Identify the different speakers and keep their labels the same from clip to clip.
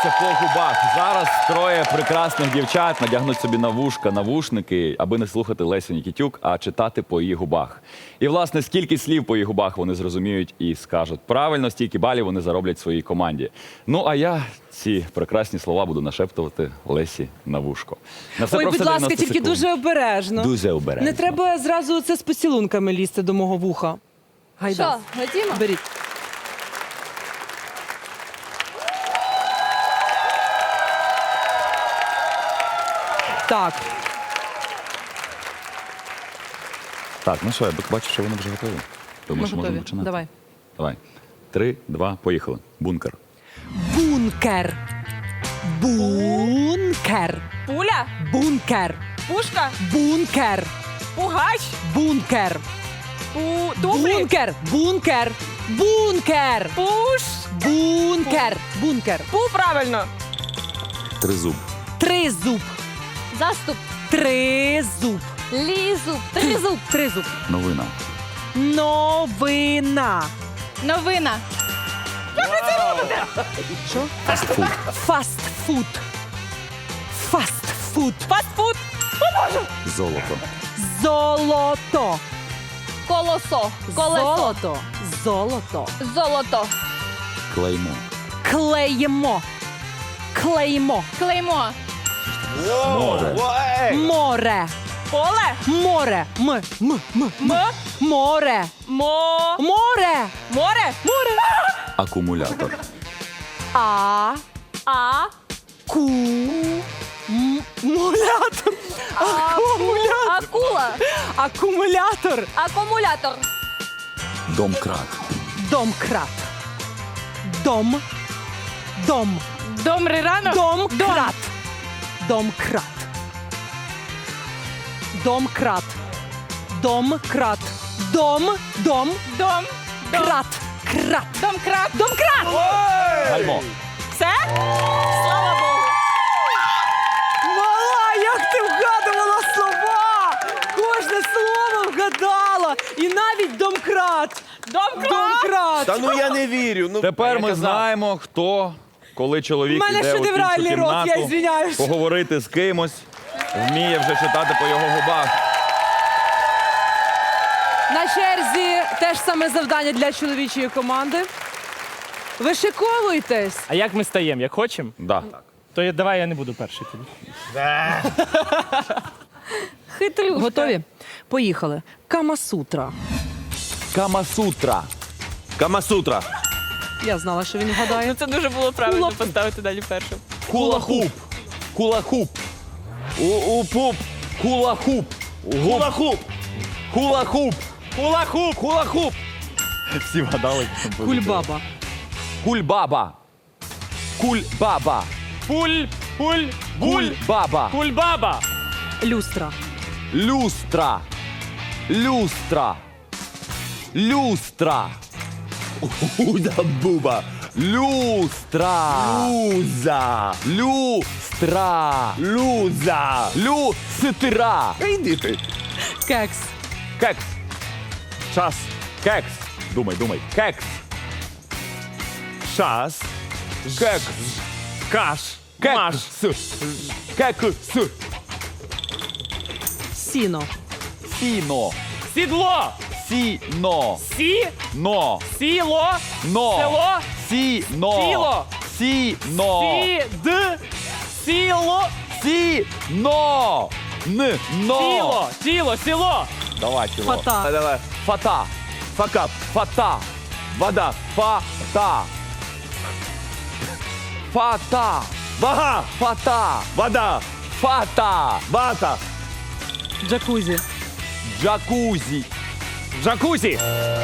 Speaker 1: називається «По губах». Зараз троє прекрасних дівчат надягнуть собі на вушка навушники, аби не слухати Лесю Нікітюк, а читати по її губах. І, власне, скільки слів по її губах вони зрозуміють і скажуть правильно, стільки балів вони зароблять своїй команді. Ну, а я ці прекрасні слова буду нашептувати Лесі на вушко. На все
Speaker 2: Ой,
Speaker 1: про
Speaker 2: будь
Speaker 1: все
Speaker 2: ласка,
Speaker 1: 90
Speaker 2: тільки
Speaker 1: секунд.
Speaker 2: дуже обережно.
Speaker 1: Дуже обережно.
Speaker 2: Не треба зразу це з поцілунками лізти до мого вуха. Гайда.
Speaker 3: Що, готімо?
Speaker 2: Беріть. Так,
Speaker 1: Так, ну що, я бачу, що вони вже готові. Тому
Speaker 2: ми
Speaker 1: що можна
Speaker 2: готові.
Speaker 1: починати.
Speaker 2: Давай.
Speaker 1: Давай. 3, 2, поїхали. Бункер.
Speaker 2: Бункер. Бункер.
Speaker 3: Пуля,
Speaker 2: Бункер.
Speaker 3: пушка,
Speaker 2: Бункер.
Speaker 3: пугач,
Speaker 2: Бункер.
Speaker 3: туфлі,
Speaker 2: Бункер. Бункер. Бункер.
Speaker 3: пуш,
Speaker 2: Бункер. Бункер.
Speaker 3: пу правильно.
Speaker 1: Тризуб.
Speaker 2: Тризуб.
Speaker 3: Заступ,
Speaker 2: Тризуб.
Speaker 3: лізуб, тризуб,
Speaker 2: Тризуб.
Speaker 1: Новина.
Speaker 2: Новина.
Speaker 3: новина,
Speaker 1: Фастфуд.
Speaker 2: Фастфуд. Фастфуд.
Speaker 3: фастфуд,
Speaker 1: Золото.
Speaker 2: Золото.
Speaker 3: колосо, колесо,
Speaker 2: Золото. Золото.
Speaker 3: золото,
Speaker 1: Клеймо.
Speaker 2: Клеймо. Клеймо.
Speaker 3: клеймо,
Speaker 1: Море.
Speaker 2: Море.
Speaker 3: поле,
Speaker 2: Море. М. Море.
Speaker 3: мо,
Speaker 2: Море.
Speaker 3: море,
Speaker 2: Море.
Speaker 1: Акумулятор.
Speaker 2: А.
Speaker 3: а,
Speaker 2: Мулятор.
Speaker 3: акула,
Speaker 2: Акумулятор.
Speaker 3: акумулятор,
Speaker 1: Домкрат.
Speaker 2: Домкрат. Дом. Дом.
Speaker 3: добрий ранок,
Speaker 2: Домкрат. Домкрат. Домкрат. Домкрат. Дом. Дом.
Speaker 3: дом,
Speaker 2: Крат. Крат.
Speaker 3: домкрат,
Speaker 2: Домкрат.
Speaker 1: Гальмо.
Speaker 3: все? Слава Богу.
Speaker 2: Мала, як ти вгадувала слова! Кожне слово вгадала! І навіть домкрат!
Speaker 3: Домкрат.
Speaker 2: Домкрат!
Speaker 4: Та ну я не вірю. Ну,
Speaker 1: Тепер
Speaker 4: я
Speaker 1: ми
Speaker 4: казав.
Speaker 1: знаємо, хто, коли чоловік
Speaker 2: У мене
Speaker 1: іде у іншу
Speaker 2: шедевральний рот, я
Speaker 1: кімнату,
Speaker 2: извиняюсь.
Speaker 1: поговорити з кимось, вміє вже читати по його губах.
Speaker 2: На черзі теж саме завдання для чоловічої команди. Вишиковуйтесь!
Speaker 5: А як ми стаємо? Як хочемо?
Speaker 1: Да.
Speaker 5: То давай я не буду перший тоді.
Speaker 3: Хитрюшка.
Speaker 2: Готові? Поїхали. Камасутра.
Speaker 1: Камасутра.
Speaker 4: Камасутра.
Speaker 2: Я знала, що він вгадає.
Speaker 3: Ну це дуже було правильно
Speaker 2: Кулак.
Speaker 3: поставити далі першим.
Speaker 1: Кулахуп. Кулахуп. У-пуп. Кулахуп.
Speaker 4: Гулахуп.
Speaker 1: Кулахуп.
Speaker 4: Хулахуп.
Speaker 1: Кулахуп. Всі вгадали.
Speaker 2: Кульбаба.
Speaker 1: Кульбаба. Кульбаба. Кульбаба.
Speaker 5: Кульбаба!
Speaker 2: Люстра.
Speaker 1: Люстра. Люстра. Люстра.
Speaker 4: Уда-буба.
Speaker 1: Люстра.
Speaker 4: Луза.
Speaker 1: Люстра.
Speaker 4: Луза.
Speaker 1: Люстра.
Speaker 4: Іди ти.
Speaker 2: Кекс.
Speaker 1: Кекс.
Speaker 4: Час.
Speaker 1: Кекс. Думай, думай. Кекс.
Speaker 4: Час.
Speaker 1: Кекс.
Speaker 4: Каш. Маш.
Speaker 1: Кекс. Кекс.
Speaker 2: Сіно.
Speaker 1: Сіно.
Speaker 5: Сідло!
Speaker 1: Сіно.
Speaker 5: Сі-но!
Speaker 1: Сіло. Но.
Speaker 5: Село!
Speaker 1: Сіно.
Speaker 5: Сіло.
Speaker 1: Сіно.
Speaker 5: Сі-д! Сіло!
Speaker 1: Сіно. Н. Но.
Speaker 5: Тіло! Тіло! Сіло!
Speaker 1: Давай, тіло.
Speaker 2: Фата.
Speaker 4: Давай.
Speaker 1: Фата.
Speaker 4: Факап.
Speaker 1: Фата.
Speaker 4: Вода.
Speaker 1: Фата. Фата.
Speaker 4: Вага.
Speaker 1: Фата.
Speaker 4: Вода.
Speaker 1: Фата.
Speaker 4: Вата.
Speaker 2: Джакузі.
Speaker 1: Джакузі.
Speaker 5: Джакузі!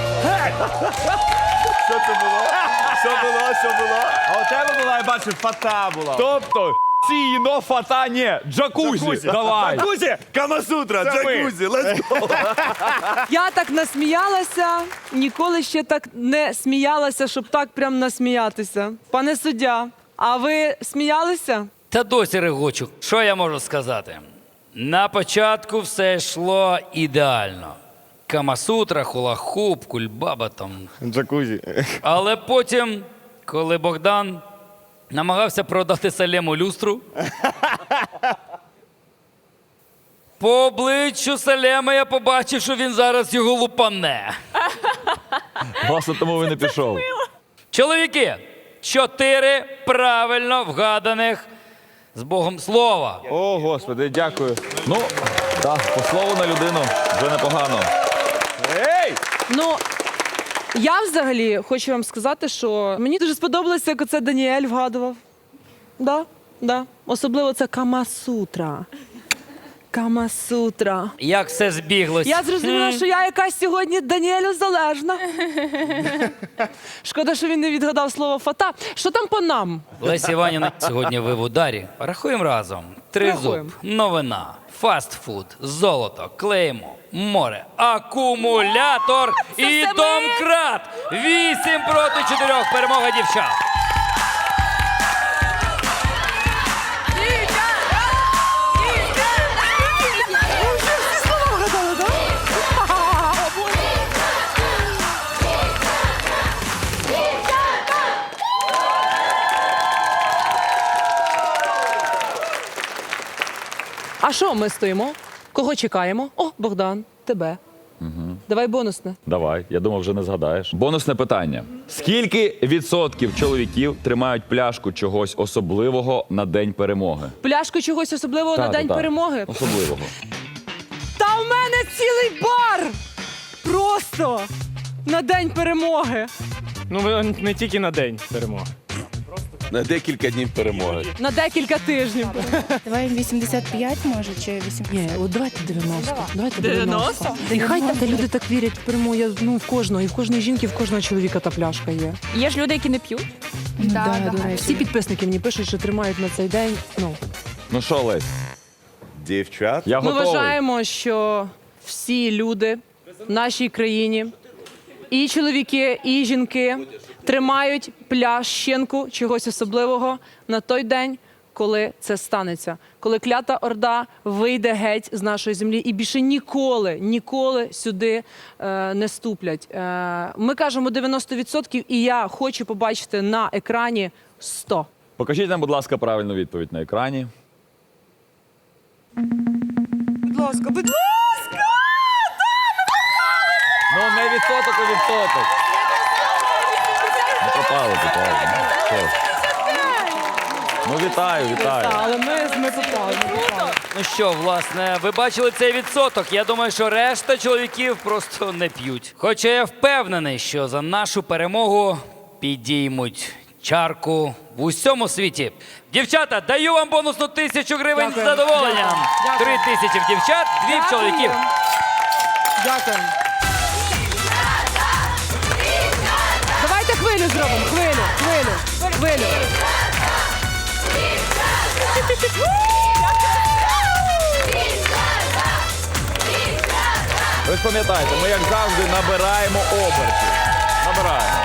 Speaker 4: Що це було? Що було? А у тебе була, я бачу, фата була.
Speaker 1: Тобто, сіно, фата, ні. Джакузі. Давай.
Speaker 4: Джакузі. Камасутра.
Speaker 5: Це ми.
Speaker 4: Джакузі. Let's go.
Speaker 2: Я так насміялася, ніколи ще так не сміялася, щоб так прям насміятися. Пане суддя, а ви сміялися?
Speaker 6: Та досі регочу. Що я можу сказати? На початку все йшло ідеально. Камасутра, хулахуп, кульбаба там.
Speaker 4: Джакузі.
Speaker 6: Але потім, коли Богдан Намагався продати Салему люстру. По обличчю Салема я побачив, що він зараз його лупане.
Speaker 1: Власне, тому він не пішов.
Speaker 6: Чоловіки, 4 правильно вгаданих з Богом слова.
Speaker 4: О, Господи, дякую.
Speaker 1: Ну, так, по слову на людину вже непогано.
Speaker 4: Ей!
Speaker 2: Ну, я взагалі хочу вам сказати, що мені дуже сподобалося, як оце Даніель вгадував. Да. Особливо це Камасутра. Камасутра.
Speaker 6: Як все збіглось.
Speaker 2: Я зрозуміла, що я якась сьогодні Даніелю залежна. Шкода, що він не відгадав слово фата. Що там по нам?
Speaker 6: Леся Іванівна сьогодні ви в ударі. Рахуємо разом. Тризуб,
Speaker 2: Рахуємо.
Speaker 6: новина, фастфуд, золото, клеймо, море, акумулятор і домкрат. 8 проти 4. Перемога дівчат.
Speaker 2: А що ми стоїмо? Кого чекаємо? О, Богдан, тебе. Давай бонусне.
Speaker 1: Давай, я думав, вже не згадаєш. Бонусне питання. Скільки відсотків чоловіків тримають пляшку чогось особливого на День перемоги?
Speaker 2: Пляшку чогось особливого на День перемоги?
Speaker 1: Особливого.
Speaker 2: Та в мене цілий бар! Просто на День перемоги.
Speaker 5: Ну, не тільки на день перемоги.
Speaker 4: На декілька днів перемоги.
Speaker 2: На декілька тижнів.
Speaker 7: Давай 85, може, чи 80?
Speaker 2: Ні, от давайте 90. Давайте 90. І хай та люди так вірять в перемогу. В кожного, і в кожної жінки, в кожного чоловіка та пляшка є.
Speaker 3: Є ж люди, які не п'ють.
Speaker 7: Да, до речі.
Speaker 2: Всі підписники мені пишуть, що тримають на цей день.
Speaker 1: Ну що, Лесь,
Speaker 4: Дівчат.
Speaker 1: я
Speaker 2: Ми
Speaker 1: готовий.
Speaker 2: вважаємо, що всі люди в нашій країні, і чоловіки, і жінки, тримають плященку чогось особливого на той день, коли це станеться. Коли клята орда вийде геть з нашої землі і більше ніколи сюди не ступлять. Ми кажемо 90%, і я хочу побачити на екрані 100.
Speaker 1: Покажіть нам, будь ласка, правильну відповідь на екрані.
Speaker 2: Будь ласка, будь ласка!
Speaker 1: Ну, не відсоток, а відсоток. Не попали. Ну, вітаю.
Speaker 2: Але ми попали.
Speaker 6: Ну що, власне, ви бачили цей відсоток. Я думаю, що решта чоловіків просто не п'ють. Хоча я впевнений, що за нашу перемогу підіймуть чарку в усьому світі. Дівчата, даю вам бонусну 1000 гривень з
Speaker 2: Дякую.
Speaker 6: задоволенням.
Speaker 2: Дякую.
Speaker 6: 3000 в дівчат, 2 в чоловіків.
Speaker 2: Дякую. Давайте хвилю зробимо. Хвилю.
Speaker 1: Ви ж пам'ятаєте, ми, як завжди, набираємо обертів. Набираємо.